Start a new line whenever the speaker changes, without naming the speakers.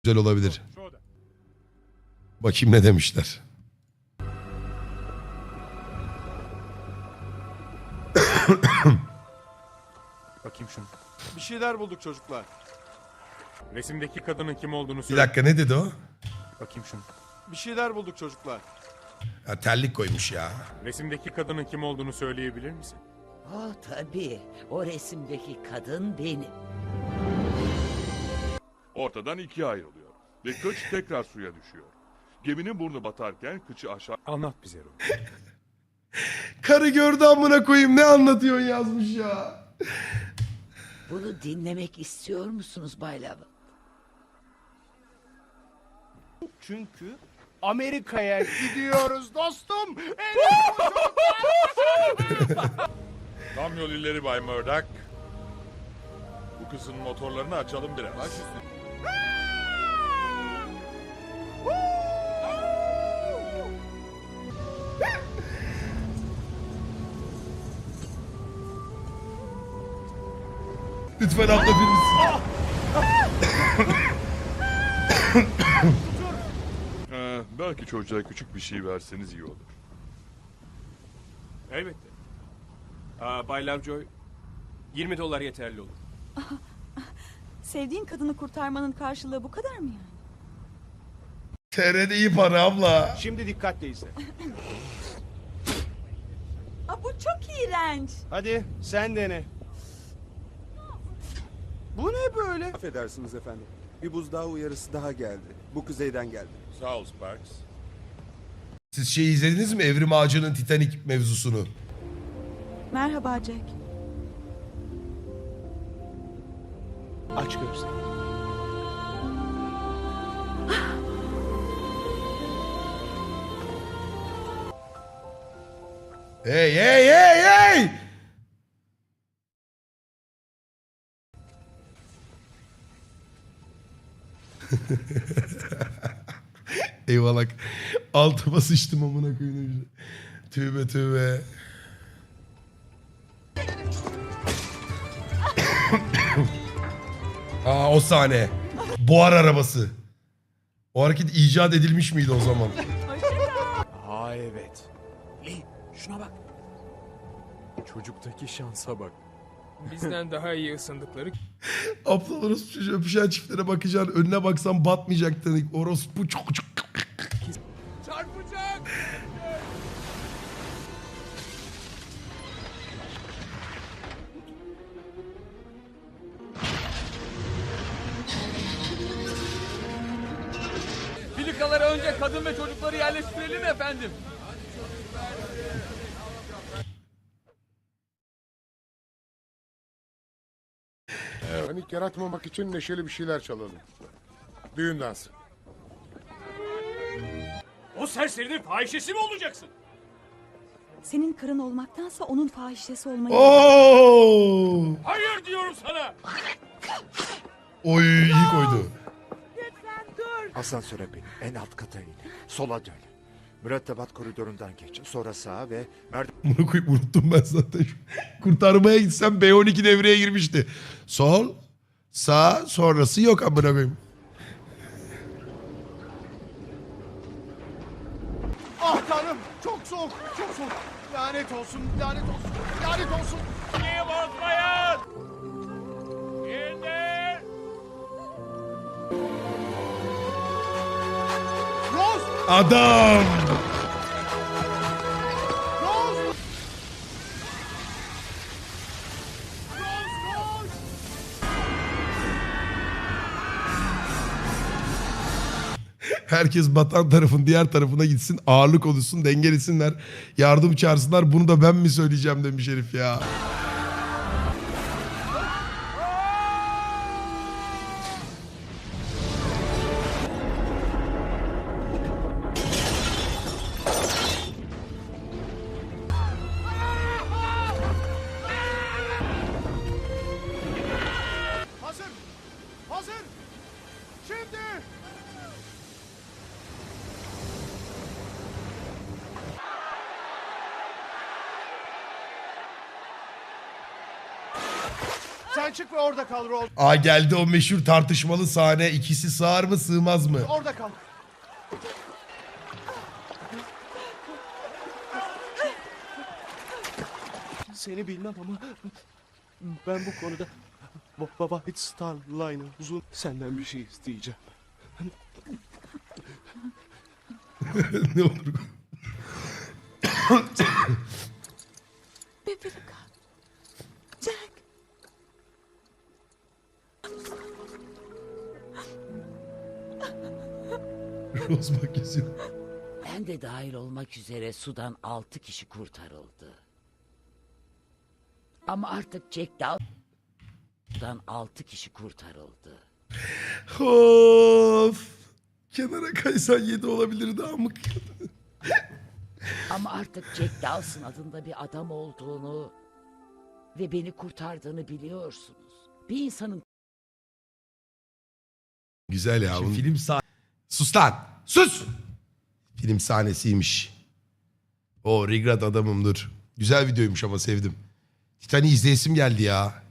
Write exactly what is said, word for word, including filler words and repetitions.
Güzel olabilir. Bakayım ne demişler.
Bakayım şunu.
Bir şeyler bulduk çocuklar.
Resimdeki kadının kim olduğunu
Bir
söyle.
dakika ne dedi o?
Bakayım şunu.
Bir şeyler bulduk çocuklar.
Ya terlik koymuş ya.
Resimdeki kadının kim olduğunu söyleyebilir misin?
Aa tabii. O resimdeki kadın benim.
Ortadan ikiye ayrılıyor ve kıç tekrar suya düşüyor. Geminin burnu batarken kıçı aşağı
Anlat bize Ruh.
Karı gördü amına koyayım ne anlatıyorsun yazmış ya.
Bunu dinlemek istiyor musunuz Bay Lava?
Çünkü Amerika'ya gidiyoruz dostum.
Tam yol ileri Bay Murdoch. Bu kızın motorlarını açalım biraz.
Lütfen abla birisi.
Ee, belki çocuğa küçük bir şey verseniz iyi olur.
Elbette. Aa, Bay Lovejoy, yirmi dolar yeterli olur.
Sevdiğin kadını kurtarmanın karşılığı bu kadar mı yani?
T R'de iyi para abla.
Şimdi dikkatle izle.
Aa, bu çok iğrenç.
Hadi sen dene. Bu ne böyle?
Affedersiniz efendim. Bir buzdağı uyarısı daha geldi. Bu kuzeyden geldi.
Sağ ol Sparks.
Siz şey izlediniz mi? Evrim Ağacı'nın Titanic mevzusunu.
Merhaba Jack.
Aç gözlerini.
Hey hey hey hey! Eyvallah. Altıma sıçtım amına koyayım. Tövbe tövbe. Aa o sahne. Buhar arabası. O hareket icat edilmiş miydi o zaman?
Aa evet.
Lee, şuna bak. Çocuktaki şansa bak.
Bizden daha iyi ısındıkları
Aptal orospu çocuğu öpüşen çiftlere bakacaksın. Önüne baksan batmayacak dedik. Orospu çok çok.
çarpacak. Filikalara önce kadın ve çocukları yerleştirelim efendim.
Panik yaratmamak için neşeli bir şeyler çalalım. Düğün dansı.
O serserinin fahişesi mi olacaksın?
Senin karın olmaktansa onun fahişesi olmayı...
Oo!
Hayır diyorum sana.
Oy iyi koydu.
Asansöre bin. En alt kata in. Sola dön. Mürettebat koridorundan geç. Sonra sağa ve
Bunu koyup unuttum ben zaten. Kurtarmaya gitsem B on iki devreye girmişti. Sol, sağ, sonrası yok amına koyayım.
Ah tanrım çok soğuk çok soğuk. Lanet olsun lanet olsun lanet olsun.
Niye bozmayın? İndir.
Rose!
Adam!
Rose! Rose! Rose!
Herkes batan tarafın diğer tarafına gitsin. Ağırlık oluşsun, dengelesinler. Yardım çağırsınlar. Bunu da ben mi söyleyeceğim demiş herif ya.
Hazır! Hazır! Şimdi! Sen Sen çık ve orada kal Rose.
Aa geldi o meşhur tartışmalı sahne. İkisi sığar mı sığmaz mı?
Orada kal. Seni bilmem ama ben bu konuda Baba White Star Line'ı uzun senden bir şey isteyeceğim.
Ne olur.
Bebeğim. Jack.
Rose bak yazıyor.
Ben de dahil olmak üzere sudan altı kişi kurtarıldı. Ama artık Jack Dawson'dan altı kişi kurtarıldı.
Of. Kenara kaysan yedi olabilirdi amık.
Ama artık Jack Dawson adında bir adam olduğunu ve beni kurtardığını biliyorsunuz. Bir insanın
Güzel ya. Bunun... Film sahne. Sus lan. Sus. Film sahnesiymiş. O regret adamım dur. Güzel videoymuş ama sevdim. Titanic'i izleyesim geldi ya.